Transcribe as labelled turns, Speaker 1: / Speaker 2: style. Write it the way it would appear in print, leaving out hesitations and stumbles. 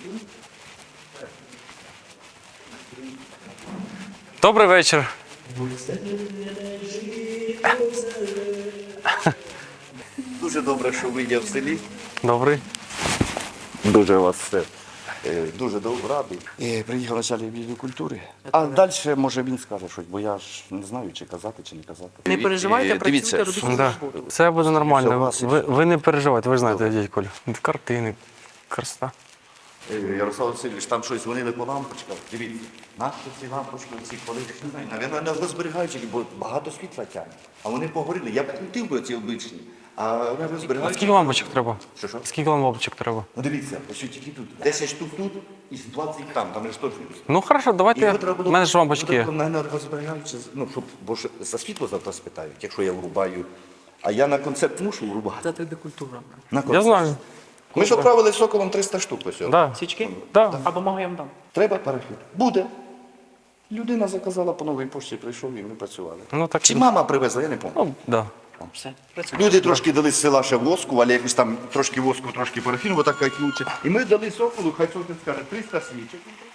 Speaker 1: Добрий вечір.
Speaker 2: Дуже добре, що ви є в селі.
Speaker 1: Добрий.
Speaker 2: Дуже вас все. Дуже радий. Приїхав начальник відділу культури. А далі, може, він скаже щось, бо я ж не знаю, чи казати, чи не казати.
Speaker 3: Не переживайте,
Speaker 2: Дивіться,
Speaker 3: працюйте, робіть
Speaker 1: Да.
Speaker 3: свою роботу.
Speaker 1: Все буде нормально.
Speaker 2: Все,
Speaker 1: Ви не переживайте, ви ж знаєте, дядь Колю. Картини, красота.
Speaker 2: Ярослав Васильович, там щось дзвонили по лампочках. Дивіться, наші ці лампочки, ці коли, не знаю, навіть не розберігаючи, бо багато світла тягне. А вони погоріли. Я б крутив би ці обичні, а вони
Speaker 1: А
Speaker 2: розберігаючи.
Speaker 1: скільки лампочок треба?
Speaker 2: Що?
Speaker 1: Скільки лампочок треба?
Speaker 2: Ну дивіться, ось тільки тут. 10 штук тут і 20 там ж теж.
Speaker 1: Ну хорошо, давайте.
Speaker 2: Його треба
Speaker 1: У мене ж лампочки є.
Speaker 2: Мене розберігаючи, ну, щоб, бо ж за світло завтра спитають, якщо я врубаю. А я на концерт мушу врубати.
Speaker 3: Це тобі культура.
Speaker 2: На
Speaker 1: Я
Speaker 2: концерт.
Speaker 1: знаю.
Speaker 2: Ми ж відправили Соколом 300 штук ось.
Speaker 1: Да.
Speaker 3: Свічки?
Speaker 1: Да.
Speaker 3: А бумагу я вам дам.
Speaker 2: Треба перехід? Буде. Людина заказала по новій пошті, прийшов і ми працювали.
Speaker 1: Ну так.
Speaker 2: Чи мама привезла, я не пам'ятаю.
Speaker 1: Ну, да.
Speaker 3: Все, працюйте.
Speaker 2: Люди трошки дали з села ще воску, але якось там трошки воску, трошки парафіну, отак кайфнуться. І ми дали Соколу, хай Сокол скаже, 300 свічок.